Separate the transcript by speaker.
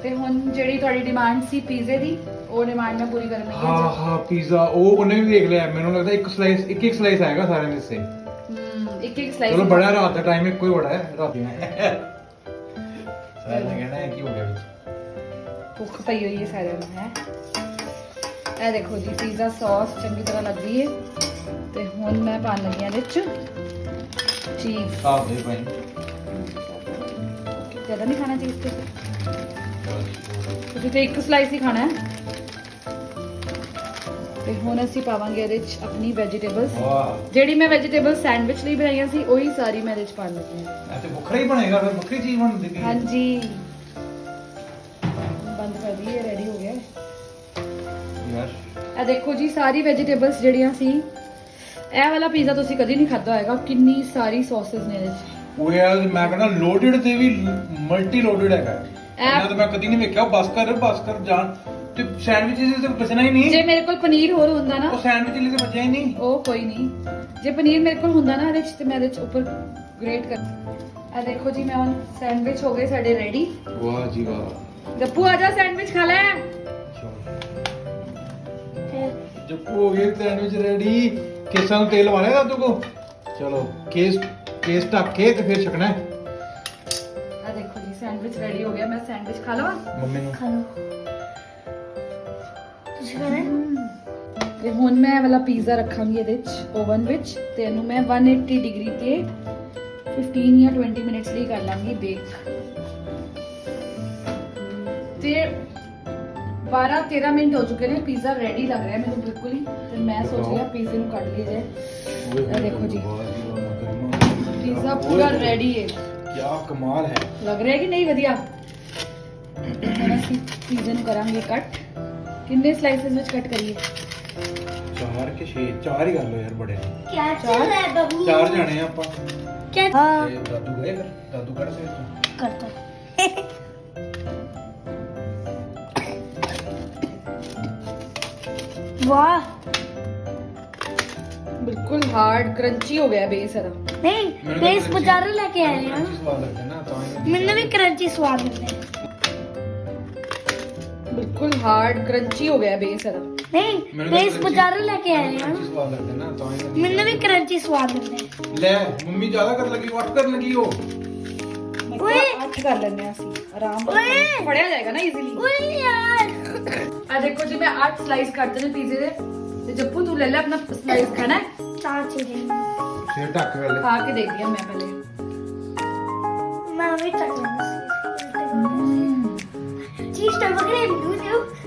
Speaker 1: ਤੇ ਹੁਣ ਜਿਹੜੀ ਤੁਹਾਡੀ ਡਿਮਾਂਡ ਸੀ ਪੀਜ਼ੇ ਦੀ, ਉਹ ਡਿਮਾਂਡ ਮੈਂ ਪੂਰੀ ਕਰਨ ਲੱਗੀ ਹਾਂ।
Speaker 2: ਹਾਂ ਪੀਜ਼ਾ ਉਹ ਉਹਨੇ ਵੀ ਦੇਖ ਲਿਆ। ਮੈਨੂੰ ਲੱਗਦਾ ਇੱਕ ਸਲਾਈਸ ਆਏਗਾ ਸਾਰਿਆਂ ਦੇ ਸੇ।
Speaker 1: ਇੱਕ ਸਲਾਈਸ।
Speaker 2: ਚਲੋ ਬੜਾ ਰਾਤ ਦਾ ਟਾਈਮ ਇੱਕੋ ਹੀ ਬੜਾ ਹੈ ਰਾਤੀ ਮੈਂ ਸਾਰਿਆਂ ਨੇ ਕਹਿਣਾ ਹੈ ਕੀ ਹੋ ਗਿਆ ਵਿੱਚ।
Speaker 1: ਭੁੱਖ ਪਈ ਹੋਈ ਹੈ ਸਾਰਿਆਂ ਨੂੰ ਹੈ। ਇਹ ਦੇਖੋ ਜੀ ਪੀਜ਼ਾ ਸੌਸ ਚੰਗੀ ਤਰ੍ਹਾਂ ਲੱਗ ਗਈ ਹੈ ਤੇ ਹੁਣ ਮੈਂ ਪਾਣ ਲੱਗੀ ਹਾਂ ਇਹਦੇ ਵਿੱਚ ਚੀਜ਼।
Speaker 2: ਆਪ ਦੇ ਭਾਈ
Speaker 1: ਜ਼ਿਆਦਾ ਨਹੀਂ ਖਾਣਾ ਚੀਜ਼ ਤੇ ਤੁਸੀਂ ਤੇ ਇੱਕ ਸਲਾਈਸ ਹੀ ਖਾਣਾ ਹੈ। ਤੇ ਹੁਣ ਅਸੀਂ ਪਾਵਾਂਗੇ ਇਹਦੇ ਵਿੱਚ ਆਪਣੀ ਵੈਜੀਟੇਬਲਸ।
Speaker 2: ਵਾਹ
Speaker 1: ਜਿਹੜੀ ਮੈਂ ਵੈਜੀਟੇਬਲ ਸੈਂਡਵਿਚ ਲਈ ਬਣਾਈਆਂ ਸੀ ਉਹੀ ਸਾਰੀ ਮੈਂ ਇਹਦੇ ਵਿੱਚ ਪਾਣ ਲੱਗੀ ਹਾਂ।
Speaker 2: ਇਹ ਤੇ ਵੱਖਰਾ ਹੀ ਬਣੇਗਾ ਫਿਰ ਵੱਖਰੀ ਚੀਜ਼ ਬਣਦੀ ਪਈ।
Speaker 1: ਹਾਂਜੀ ਬੰਦ ਕਰ ਦਈਏ ਰੈਡੀ ਹੋ ਗਿਆ
Speaker 2: ਯਾਰ।
Speaker 1: ਇਹ ਦੇਖੋ ਜੀ ਸਾਰੀ ਵੈਜੀਟੇਬਲਸ ਜਿਹੜੀਆਂ ਸੀ। ਇਹ ਵਾਲਾ ਪੀਜ਼ਾ ਤੁਸੀਂ ਕਦੀ ਨਹੀਂ ਖਾਧਾ ਹੋਏਗਾ। ਕਿੰਨੀ ਸਾਰੀ ਸੌਸਸ ਨੇ ਇਹਦੇ ਵਿੱਚ।
Speaker 2: ਉਹ ਯਾਰ ਮੈਂ ਕਹਿੰਦਾ ਲੋਡਡ ਤੇ ਵੀ ਮਲਟੀ ਲੋਡਡ ਹੈਗਾ। ਇਹਨਾਂ ਤਾਂ ਮੈਂ ਕਦੀ ਨਹੀਂ ਵੇਖਿਆ। ਬਸ ਕਰ ਜਾਣ ਤੇ ਸੈਂਡਵਿਚਸ ਤੇ ਬਚਣਾ ਹੀ ਨਹੀਂ।
Speaker 1: ਜੇ ਮੇਰੇ ਕੋਲ ਪਨੀਰ ਹੋਰ ਹੁੰਦਾ ਨਾ,
Speaker 2: ਉਹ ਸੈਂਡਵਿਚ ਲਈ ਤੇ ਬਚਿਆ ਹੀ ਨਹੀਂ।
Speaker 1: ਉਹ ਕੋਈ ਨਹੀਂ। ਜੇ ਪਨੀਰ ਮੇਰੇ ਕੋਲ ਹੁੰਦਾ ਨਾ ਇਹਦੇ ਵਿੱਚ ਤੇ ਮੈਂ ਇਹਦੇ ਵਿੱਚ ਉੱਪਰ ਗ੍ਰੇਟ ਕਰ। ਇਹ ਦੇਖੋ ਜੀ ਮੈਂ ਹੁਣ ਸੈਂਡਵਿਚ ਹੋ ਗਏ ਸਾਡੇ ਰੈਡੀ।
Speaker 2: ਵਾਹ ਜੀ ਵਾਹ।
Speaker 1: ਗੱਪੂ ਆ ਜਾ ਸੈਂਡਵਿਚ ਖਾ ਲੈ।
Speaker 2: ਜੱਪੂ ਹੋ ਗਏ ਸੈਂਡਵਿਚ ਰੈਡੀ। ਕੇਸਾਂ ਨੂੰ ਤੇਲ ਵਾਲਿਆ ਦਾਦੂ ਕੋ। ਚਲੋ ਕੇਸ ਢੱਕ ਕੇ ਤੇ ਫਿਰ ਛਕਣਾ ਹੈ।
Speaker 1: ਆ ਦੇਖੋ ਜੀ ਸੈਂਡਵਿਚ ਰੈਡੀ ਹੋ ਗਿਆ। ਮੈਂ ਸੈਂਡਵਿਚ ਖਾ ਲਵਾਂ?
Speaker 2: ਮੰਮੀ ਨੂੰ
Speaker 3: ਖਾ ਲੋ ਤੁਸੀਂ ਖਾਣਾ।
Speaker 1: ਤੇ ਹੁਣ ਮੈਂ ਇਹ ਵਾਲਾ ਪੀਜ਼ਾ ਰੱਖਾਂਗੀ ਇਹਦੇ ਵਿੱਚ ਓਵਨ ਵਿੱਚ ਤੇ ਇਹਨੂੰ ਮੈਂ 180 ਡਿਗਰੀ ਤੇ 15 ਜਾਂ 20 ਮਿੰਟਸ ਲਈ ਕਰ ਲਾਂਗੀ ਬੇਕ। ਤੇ 12-13 ਮਿੰਟ ਹੋ ਚੁੱਕੇ ਨੇ। ਪੀਜ਼ਾ ਰੈਡੀ ਲੱਗ ਰਿਹਾ ਮੈਨੂੰ ਬਿਲਕੁਲ ਹੀ। ਤੇ ਮੈਂ ਸੋਚ ਲਿਆ ਪੀਜ਼ੇ ਨੂੰ ਕੱਢ ਲਈਏ ਜੇ। ਇਹ ਦੇਖੋ ਜੀ ਪੀਜ਼ਾ ਪੂਰਾ ਰੈਡੀ ਹੈ।
Speaker 2: ਕੀ ਕਮਾਲ ਹੈ।
Speaker 1: ਲੱਗ ਰਿਹਾ ਕਿ ਨਹੀਂ ਵਧੀਆ? ਹੁਣ ਅਸੀਂ ਪੀਜ਼ੇ ਨੂੰ ਕਰਾਂਗੇ ਕੱਟ। ਕਿੰਨੇ ਸਲਾਈਸਿਸ ਵਿੱਚ ਕੱਟ ਕਰੀਏ?
Speaker 2: 4 ਕੇ 6 4 ਹੀ ਕਰ ਲੋ ਯਾਰ ਬੜੇ ਨੇ।
Speaker 3: क्या चल रहा है बबू?
Speaker 2: 4 ਜਾਣੇ ਆ ਆਪਾਂ।
Speaker 3: क्या हाँ
Speaker 2: ਤੇ ਦਾਦੂ ਗਏ ਫਿਰ ਦਾਦੂ ਕੱਢ ਸੇ ਤੂੰ।
Speaker 3: करता वाह
Speaker 1: ਬਿਲਕੁਲ ਹਾਰਡ ਕਰੰਚੀ ਹੋ ਗਿਆ ਬੇਸ ਇਹਦਾ।
Speaker 3: नहीं बेस बाजार लेके आए हैं
Speaker 2: ਸਵਾਦ ਲੱਗਦਾ ਨਾ ਤਾਂ ਹੀ।
Speaker 3: मैंने भी क्रंची स्वाद मिलता है
Speaker 1: ਬਿਲਕੁਲ ਹਾਰਡ ਕਰੰਚੀ ਹੋ ਗਿਆ ਬੇਸ ਇਹਦਾ।
Speaker 3: नहीं बेस बाजार लेके आए हैं
Speaker 2: ਸਵਾਦ ਲੱਗਦਾ ਨਾ ਤਾਂ ਹੀ।
Speaker 3: मैंने भी क्रंची स्वाद मिलता है
Speaker 2: ਲੈ ਮੰਮੀ ਜ਼ਿਆਦਾ ਕਰਨ ਲੱਗੀ ਵੱਟ ਕਰਨ ਲੱਗੀ ਉਹ।
Speaker 3: ਓਏ।
Speaker 1: 8 ਕਰ ਲੈਂਦੇ ਆ ਅਸੀਂ ਆਰਾਮ
Speaker 3: ਓਏ।
Speaker 1: ਨਾਲ। ਫੜਿਆ ਜਾਏਗਾ ਨਾ ਈਜ਼ੀਲੀ।
Speaker 3: ओए यार
Speaker 1: ਆ ਦੇਖੋ ਜੀ ਮੈਂ 8 ਸਲਾਈਸ ਕੱਟਦੇ ਨੇ ਪੀਜ਼ੇ ਦੇ। ਤੇ ਜੱਪੂ ਤੂੰ ਲੈ ਲੈ ਆਪਣਾ ਸਲਾਈਸ ਖਾਣਾ ਹੈ?
Speaker 3: चार चीजें
Speaker 2: ਫਿਰ ਢੱਕ ਵੇਲੇ।
Speaker 1: ਖਾ ਕੇ ਦੇਖਦੀ ਆ ਮੈਂ ਪਹਿਲੇ।
Speaker 3: मैं भी चख लूंगी चीज तो पकड़े दूध